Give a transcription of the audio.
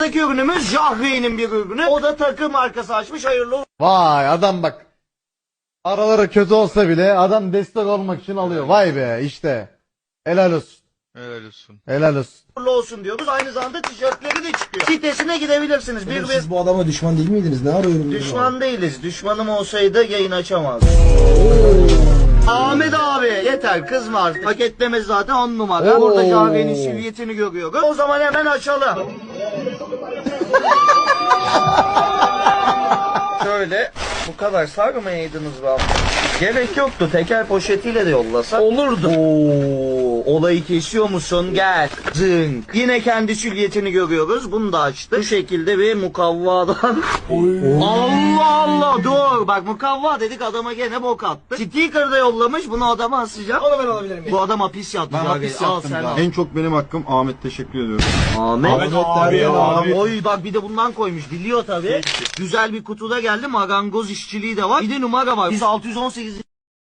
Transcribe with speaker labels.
Speaker 1: Ürünümüz Jahreyn'in bir ürünü. O da takı markası açmış. Hayırlı olsun.
Speaker 2: Vay adam bak. Araları kötü olsa bile adam destek olmak için alıyor. Vay be işte. Helal olsun.
Speaker 3: Helal olsun.
Speaker 2: Helal olsun.
Speaker 1: Olsun diyoruz. Aynı zamanda tişörtleri de çıkıyor. Sitesine gidebilirsiniz.
Speaker 4: Siz bu adama düşman değil miydiniz? Ne arıyorum?
Speaker 1: Düşman değiliz. Düşmanım olsaydı yayın açamazdım. Ahmet abi yeter kızma artık. Paketleme zaten 10 numara.
Speaker 2: Oo.
Speaker 1: Burada Jahreyn'in silüetini görüyoruz. O zaman hemen açalım. Şöyle bu kadar sarmayaydınız be. Gerek yoktu. Teker poşetiyle de yollasa olurdu. Oo, olayı kesiyor musun? Gel. Zınk. Yine kendi silüetini görüyoruz. Bunu da açtı. Bu şekilde bir mukavvadan. Allah Allah dur. Bak mukavva dedik adama gene bok attı. Sticker da yollamış. Bunu adama asacağım.
Speaker 4: Onu ben alabilir miyim?
Speaker 1: Bu adam hapis yattı.
Speaker 5: Ben
Speaker 1: Jahreyn.
Speaker 5: hapis
Speaker 1: Al
Speaker 5: yattım
Speaker 1: sen
Speaker 5: ya.
Speaker 1: al.
Speaker 5: En çok benim hakkım. Ahmet teşekkür ediyorum.
Speaker 1: Ahmet
Speaker 4: abi.
Speaker 1: Oy bak bir de bundan koymuş. Biliyor tabii. Güzel bir kutuda geldi. Marangoz işçiliği de var. Bir de numara var. Biz 618